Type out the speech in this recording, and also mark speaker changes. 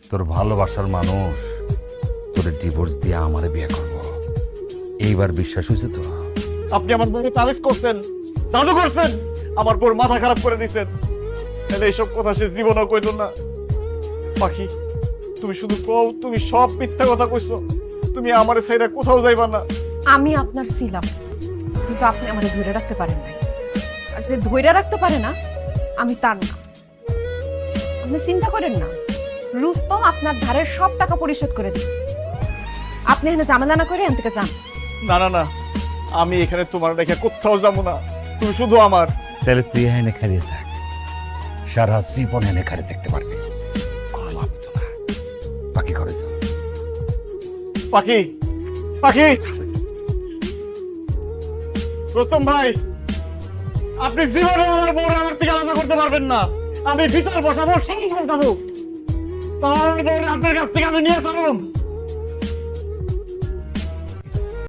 Speaker 1: তোর ভালোবাসার মানুষ তোর ডিভোর্স দিয়ে আমারে বিয়ে করব, এইবার বিশ্বাস হয়েছে তো?
Speaker 2: আপনি আমার বউকে তাবিজ করছেন, জাদু করছেন, আমার বউর মাথা খারাপ করে দিছেন। তাহলে এইসব কথা সে জীবনও কইল না। পাখি, তুমি শুধু কও, তুমি সব মিথ্যা কথা কইছো। তুমি আমারে ছাইরা কোথাও যাইবা না।
Speaker 3: আমি আপনার ছিলাম, কিন্তু আপনি আমাকে ধরে রাখতে পারেন নাই। আর যে ধরে রাখতে পারে না, আমি তার না। আপনি চিন্তা করেন না, রুস্তম আপনার ধারের সব টাকা পরিশোধ করে দিন। আপনি এখানে ঝামেলা না করে এখান থেকে যান।
Speaker 2: না না না, আমি এখানে তোমার রেখে কোথাও যাবো না। তুমি শুধু আমার।
Speaker 1: তাহলে তুই এনে খারিয়ে থাক, সারা জীবন এনে খারিয়ে থাকতে পারবি, কোনো লাভ তো না। বাকি করে যা।
Speaker 2: পাখি, পাখি, রুস্তম ভাই, আপনি জীবনে আমার বউর আমার থেকে আলাদা করতে পারবেন না। আমি বিচার বসাবো, সেই যাবো। তার বউর আপনার কাছ থেকে আমি নিয়ে যাবো।